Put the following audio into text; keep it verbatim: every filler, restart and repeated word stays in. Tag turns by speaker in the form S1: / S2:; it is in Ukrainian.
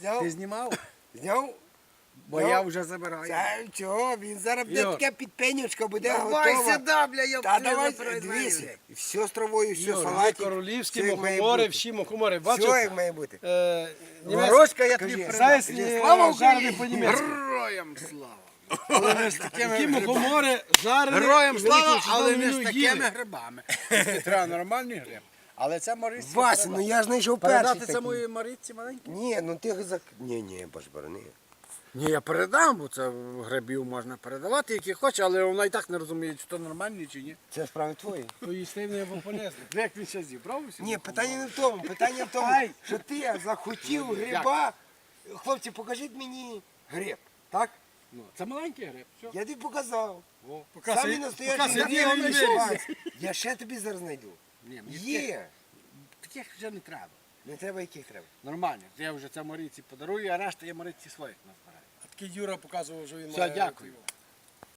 S1: зняв.
S2: Ти знімав?
S1: Зняв?
S2: Бо
S1: Ну,
S2: я вже забираю.
S1: Це чого, він зараз буде
S2: Йор.
S1: таке підпенючка, буде
S2: Давай
S1: готова.
S2: сюди, бля, я
S1: Та давай, дивися. Все з травою, все, салатик.
S3: Королівські
S1: все як має
S3: мухомори,
S1: бути.
S3: всі мухомори.
S1: Все
S3: Бачиш?
S1: як має бути.
S3: Е,
S2: Ворочка, я тобі
S1: Кажи.
S2: передам.
S3: Зайсні
S1: Слава
S3: жарені
S1: Україні!
S3: по-німецьки.
S2: Героям слава!
S3: Такі мухомори жарені.
S2: Героям
S3: і
S2: слава,
S3: великим
S2: але
S3: чудовим
S2: не з
S3: меню
S2: такими
S3: їли.
S2: грибами. Треба нормальний гриб. Але це Марисі.
S1: Вася, ну я ж знайшов перший
S2: Передати це
S1: такий.
S2: моїй Марисі маленькій?
S1: Ні, ну ти зак... Ні, ні, баш борони.
S2: Ні, я передам, бо це грибів можна передавати, які хоче, але вона і так не розуміє, чи то нормальні, чи ні.
S1: Це справи твої.
S3: То їсти не або полезно.
S2: Як він ще зібрав усі?
S1: Ні, питання не в тому. Питання в тому, що ти захотів гриба. Хлопці, покажіть мені гриб. Так?
S2: Ну, це маленький гриб. Все.
S1: Я тобі показав.
S3: Поки
S1: Самі
S3: си-
S1: настоящі
S3: поки
S1: гриби
S3: сиділи,
S1: я
S3: він
S1: знайшов.
S3: виріс.
S1: Я ще тобі зараз знайду.
S2: Ні, мені таких,
S1: Є.
S2: таких вже не треба.
S1: Не треба яких треба.
S2: Нормально. Я вже це Марисі подарую, а решта я Марисі своїх назбираю.
S3: Такий Юра показував, що він
S2: Все,
S3: має.
S2: дякую.